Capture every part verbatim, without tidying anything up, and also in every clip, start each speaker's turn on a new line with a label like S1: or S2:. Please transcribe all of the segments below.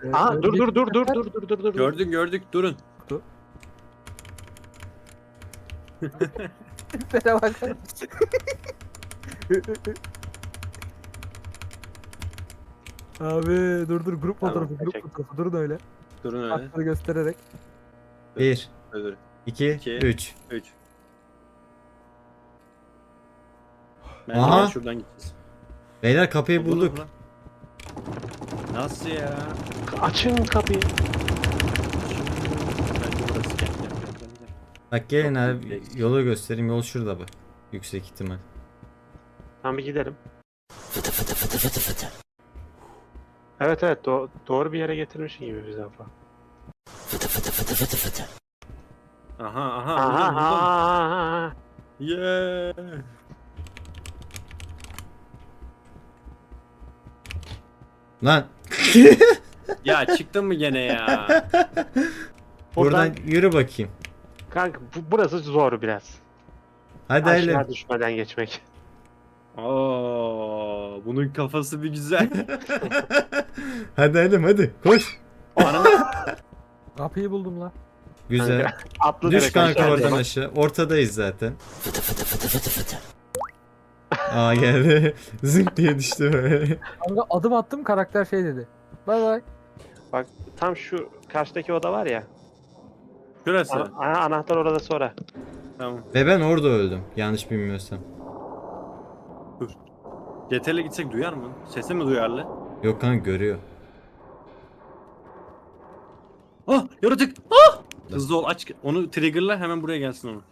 S1: Aa dur dur dur dur dur dur dur dur.
S2: Gördük gördük durun.
S3: Tiplere bakar mısın? Abi dur dur grup
S1: Tamam,
S3: fotoğrafı grup
S1: çek.
S3: fotoğrafı durun öyle.
S2: Durun öyle.
S3: Hakları göstererek.
S4: Bir,
S2: Dur.
S4: iki,
S2: İki.
S4: üç.
S2: üç. Bence
S4: Aha.
S2: gel şuradan gideceğiz.
S4: Beyler kapıyı
S2: Bulduk
S4: bulduk.
S2: lan. Nasıl ya?
S1: Açın kapıyı.
S2: Bence burası gel gel gel gel. gel.
S4: Bak gelin
S2: Çok
S4: abi
S2: büyük.
S4: yolu göstereyim. Yol şurada bak. Yüksek ihtimal.
S1: Tamam bir gidelim. Evet evet do- doğru bir yere getirmişsin gibi bize falan.
S2: Aha aha.
S1: Aha
S2: buldum, buldum.
S1: aha.
S2: Yeah.
S4: Lan
S2: Ya çıktın mı gene ya?
S4: buradan
S1: Buradan
S4: yürü bakayım.
S1: kanka bu, burası zor biraz.
S4: Hadi
S1: Aşağı
S4: Aylin.
S1: düşmeden geçmek.
S2: Oo, bunun kafası bir güzel.
S4: Hadi Aylin hadi koş.
S2: Ananı
S3: Kapıyı buldum lan.
S4: Güzel.
S1: Kanka, atlı
S4: Düş
S1: direkt
S4: kanka
S1: aşağı
S4: oradan
S1: bak.
S4: aşağı. Ortadayız zaten. Aa geldi. Zınk diye düştü böyle.
S3: Kanka adım attım karakter şey dedi. Bay bay.
S1: Bak tam şu karşıdaki oda var ya.
S2: Şurası.
S1: Ana, ana- anahtar orada sonra.
S2: Tamam.
S4: Ve ben orada öldüm. Yanlış bilmiyorsam.
S2: C T R'le gitsek duyar mı? Sesi mi duyarlı?
S4: Yok kanka görüyor.
S2: Ah yaratık. Ah! Hızlı ol aç. Onu triggerla hemen buraya gelsin onu.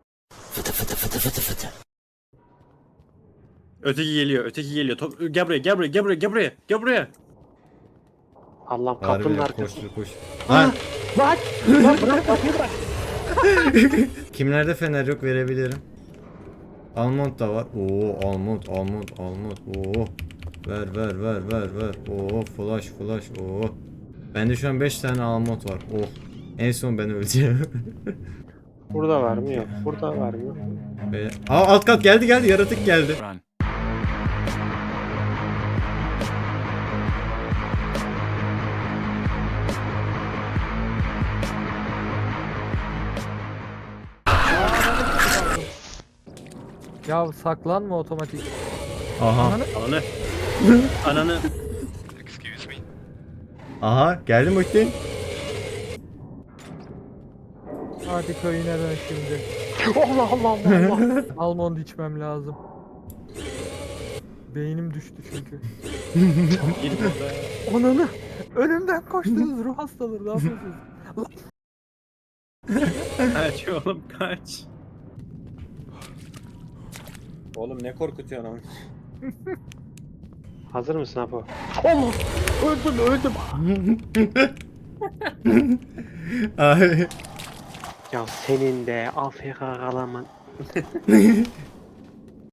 S2: Öteki geliyor, öteki geliyor. Top, gel buraya, gel buraya, gel buraya, gel buraya, gel buraya.
S1: Allah'ım kapının
S4: Harbi
S1: arkasında.
S4: koş koş. Lan
S1: Bak! Lan bırak kapıyı bırak.
S4: kimlerde fener yok verebilirim. Almond da var. Oo almond almond almond. Oo. Ver ver ver ver ver. Oo flash flash. Oo. Bende şu an beş tane almond var. Oh. En son ben öleceğim.
S1: Burada var mı yok. Burada var mı?
S4: Böyle. Aa alt kat geldi geldi yaratık geldi.
S3: Ya saklanma otomatik.
S4: Aha.
S3: Ananı
S2: Ananı. Ananı.
S4: Aha geldi Muhittin.
S3: hadi köyüne dön şimdi.
S1: Allah Allah Allah Allah.
S3: Almond içmem lazım. Beynim düştü çünkü.
S2: Gir burada.
S3: Ananı önümden koştunuz ruh hastaları ne yapıyorsunuz?
S2: Kaç oğlum kaç. Oğlum ne korkutuyorsun ama.
S1: Hazır mısın Apo? Allah! Öldüm öldüm.
S4: Ay.
S1: Ya senin de A F K kalaman.